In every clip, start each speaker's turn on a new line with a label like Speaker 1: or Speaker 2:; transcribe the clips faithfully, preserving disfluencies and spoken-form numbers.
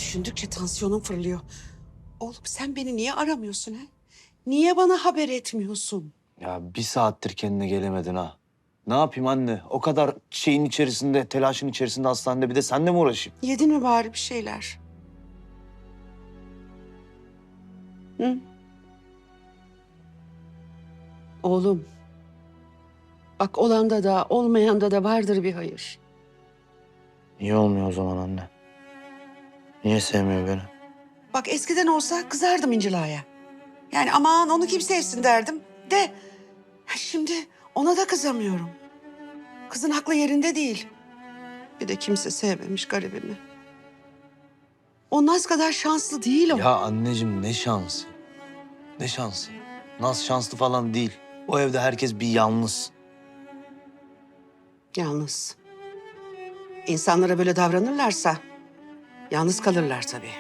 Speaker 1: düşündükçe tansiyonum fırlıyor. Oğlum sen beni niye aramıyorsun ha? Niye bana haber etmiyorsun?
Speaker 2: Ya bir saattir kendine gelemedin ha. Ne yapayım anne? O kadar şeyin içerisinde, telaşın içerisinde hastanede bir de seninle mi uğraşayım?
Speaker 1: Yedin mi bari bir şeyler? Hı? Oğlum. Bak olanda da olmayanda da vardır bir hayır.
Speaker 2: Niye olmuyor o zaman anne? Niye sevmiyor beni?
Speaker 1: Bak eskiden olsa kızardım İncila'ya. Yani aman onu kim sevsin derdim. De şimdi ona da kızamıyorum. Kızın aklı yerinde değil. Bir de kimse sevmemiş garibimi. O Naz kadar şanslı değil o.
Speaker 2: Ya anneciğim ne şansı? Ne şansı? Naz şanslı falan değil. O evde herkes bir yalnız.
Speaker 1: Yalnız. İnsanlara böyle davranırlarsa yalnız kalırlar tabii.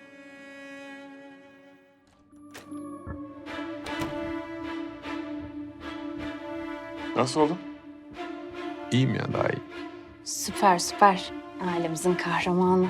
Speaker 3: Nasıl oldun?
Speaker 4: İyiyim ya, daha iyi.
Speaker 5: Süper süper. Ailemizin kahramanı.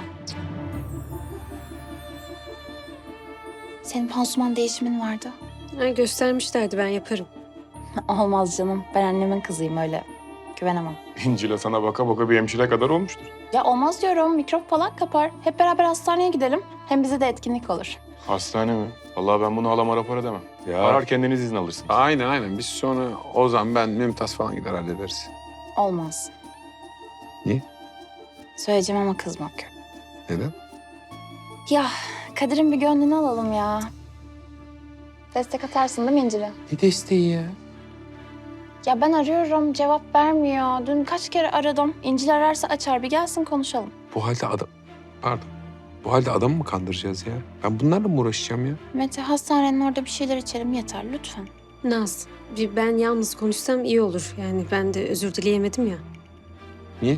Speaker 5: Senin pansuman değişimin vardı.
Speaker 6: Ha, göstermişlerdi, ben yaparım.
Speaker 5: Olmaz canım. Ben annemin kızıyım, öyle güvenemem.
Speaker 3: İncil'e sana baka baka bir hemşire kadar olmuştur.
Speaker 5: Ya olmaz diyorum. Mikrop falan kapar. Hep beraber hastaneye gidelim. Hem bize de etkinlik olur.
Speaker 3: Hastane mi? Vallahi ben bunu halama rapor edemem.
Speaker 4: Ya.
Speaker 3: Arar kendiniz izin alırsınız.
Speaker 4: Aynen aynen. Biz sonra Ozan, ben, Mümtaz falan gider hallederiz.
Speaker 5: Olmaz.
Speaker 4: Niye?
Speaker 5: Söyleyeceğim ama kızmak yok.
Speaker 4: Neden?
Speaker 5: Ya Kadir'in bir gönlünü alalım ya. Destek atarsın değil mi İncil'e?
Speaker 4: Ne desteği ya?
Speaker 5: Ya ben arıyorum, cevap vermiyor. Dün kaç kere aradım. İncil ararsa açar, bir gelsin konuşalım.
Speaker 4: Bu halde adam... Pardon. Bu halde adamı mı kandıracağız ya? Ben bunlarla mı uğraşacağım ya?
Speaker 5: Mete, hastanenin orada bir şeyler içelim yeter lütfen.
Speaker 6: Naz, bir ben yalnız konuşsam iyi olur. Yani ben de özür dileyemedim ya.
Speaker 4: Niye?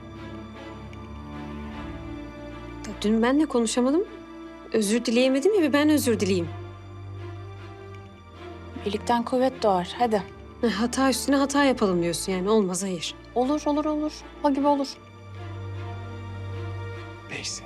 Speaker 6: Da Dün benle konuşamadım. Özür dileyemedim ya, bir ben özür dileyeyim.
Speaker 5: Birlikten kuvvet doğar, hadi.
Speaker 6: Ha, Hata üstüne hata yapalım diyorsun yani, olmaz hayır.
Speaker 5: Olur, olur, olur. O gibi olur.
Speaker 4: Neyse.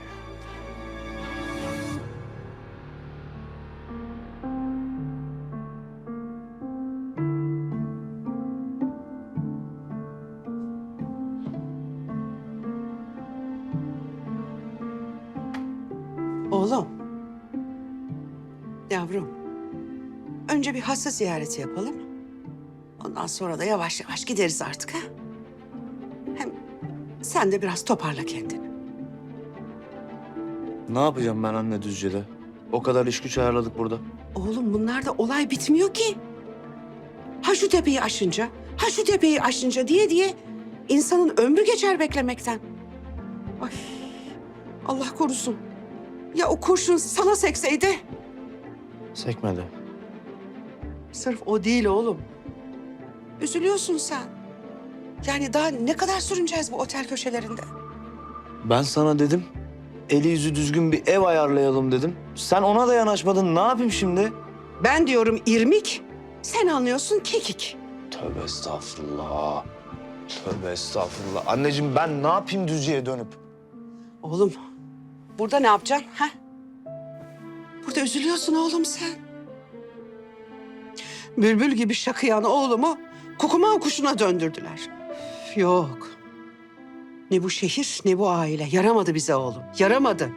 Speaker 1: Oğlum. Yavrum. Önce bir hasta ziyareti yapalım. Ondan sonra da yavaş yavaş gideriz artık ha. Hem sen de biraz toparla kendini.
Speaker 2: Ne yapacağım ben anne Düzce'de? O kadar iş güç ayarladık burada.
Speaker 1: Oğlum bunlarda olay bitmiyor ki. Ha şu tepeyi aşınca, ha şu tepeyi aşınca diye diye insanın ömrü geçer beklemekten. Ay Allah korusun. Ya o kurşun sana sekseydi?
Speaker 2: Sekmedi.
Speaker 1: Sırf o değil oğlum. Üzülüyorsun sen. Yani daha ne kadar sürüneceğiz bu otel köşelerinde?
Speaker 2: Ben sana dedim, eli yüzü düzgün bir ev ayarlayalım dedim. Sen ona da yanaşmadın. Ne yapayım şimdi?
Speaker 1: Ben diyorum irmik, sen anlıyorsun kekik.
Speaker 2: Tövbe estağfurullah. Tövbe estağfurullah. Anneciğim ben ne yapayım Düzce'ye dönüp?
Speaker 1: Oğlum, burada ne yapacaksın ha? Burada üzülüyorsun oğlum sen. Bülbül gibi şakıyan oğlumu kukuma kuşuna döndürdüler. Üf, yok. Ne bu şehir ne bu aile. Yaramadı bize oğlum. Yaramadı.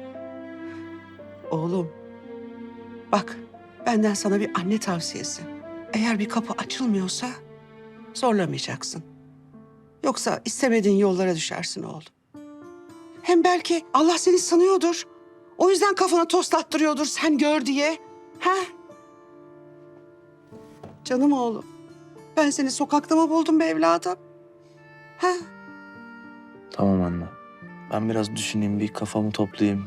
Speaker 1: Oğlum. Bak benden sana bir anne tavsiyesi. Eğer bir kapı açılmıyorsa zorlamayacaksın. Yoksa istemediğin yollara düşersin oğlum. Hem belki Allah seni sanıyordur. O yüzden kafana toslattırıyordur sen gör diye. Ha? Canım oğlum. Ben seni sokakta mı buldum be evladım? Ha?
Speaker 2: Tamam anne. Ben biraz düşüneyim, bir kafamı toplayayım.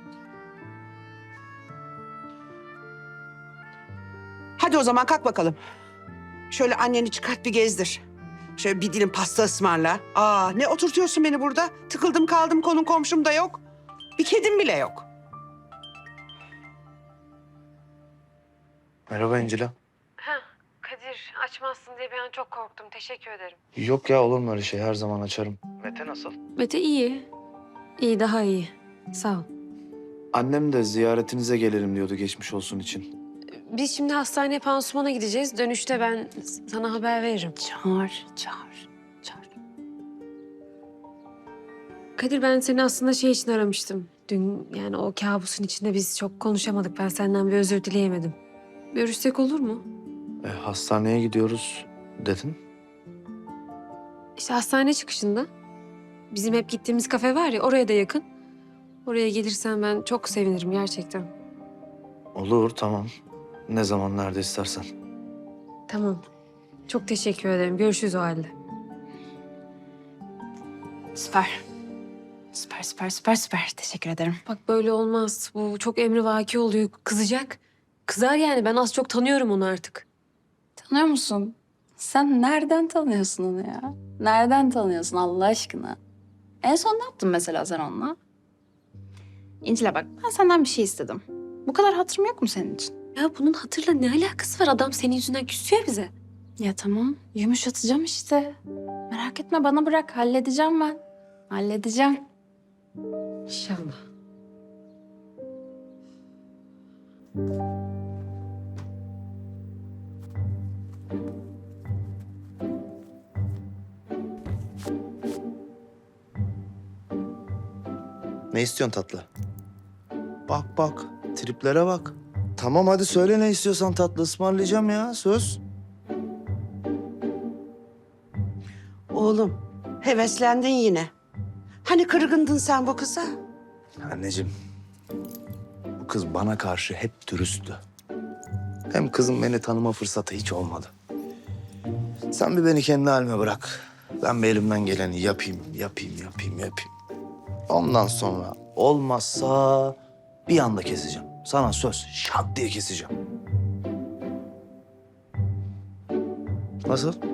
Speaker 1: Hadi o zaman kalk bakalım. Şöyle anneni çıkart bir gezdir. Şöyle bir dilim pasta ısmarla. Aa ne oturtuyorsun beni burada? Tıkıldım kaldım, konum komşum da yok. Bir kedim bile yok.
Speaker 2: Merhaba İncila.
Speaker 6: Ha, Kadir açmazsın diye bir an çok korktum. Teşekkür ederim.
Speaker 2: Yok ya, olur mu öyle şey? Her zaman açarım. Mete nasıl?
Speaker 6: Mete iyi. İyi, daha iyi. Sağ ol.
Speaker 2: Annem de ziyaretinize gelelim diyordu geçmiş olsun için.
Speaker 6: Biz şimdi hastaneye pansumana gideceğiz. Dönüşte ben sana haber veririm.
Speaker 5: Çağır, çağır, çağır.
Speaker 6: Kadir, ben seni aslında şey için aramıştım. Dün yani o kabusun içinde biz çok konuşamadık. Ben senden bir özür dileyemedim. Görüşsek olur mu?
Speaker 2: E, hastaneye gidiyoruz dedin.
Speaker 6: İşte hastane çıkışında. Bizim hep gittiğimiz kafe var ya, oraya da yakın. Oraya gelirsen ben çok sevinirim gerçekten.
Speaker 2: Olur, tamam. Ne zaman, nerede istersen.
Speaker 6: Tamam. Çok teşekkür ederim. Görüşürüz o halde.
Speaker 5: Süper. Süper, süper, süper, süper. Teşekkür ederim.
Speaker 6: Bak böyle olmaz. Bu çok emrivaki oluyor. Kızacak. Kızar yani. Ben az çok tanıyorum onu artık.
Speaker 5: Tanıyor musun? Sen nereden tanıyorsun onu ya? Nereden tanıyorsun Allah aşkına? En son ne yaptın mesela sen onunla? İncil'e bak, ben senden bir şey istedim. Bu kadar hatırım yok mu senin için?
Speaker 6: Ya bunun hatırla ne alakası var? Adam senin yüzünden küsüyor bize.
Speaker 5: Ya tamam, yumuşatacağım işte. Merak etme, bana bırak. Halledeceğim ben. Halledeceğim.
Speaker 6: İnşallah.
Speaker 2: Ne istiyorsun tatlı? Bak bak, triplere bak. Tamam hadi söyle ne istiyorsan tatlı ısmarlayacağım ya, söz.
Speaker 1: Oğlum, heveslendin yine. Hani kırgındın sen bu kıza?
Speaker 2: Anneciğim, bu kız bana karşı hep dürüsttü. Hem kızım beni tanıma fırsatı hiç olmadı. Sen bir beni kendi halime bırak. Ben bir elimden geleni yapayım, yapayım, yapayım, yapayım. Ondan sonra olmazsa bir anda keseceğim. Sana söz, şak diye keseceğim. Nasıl?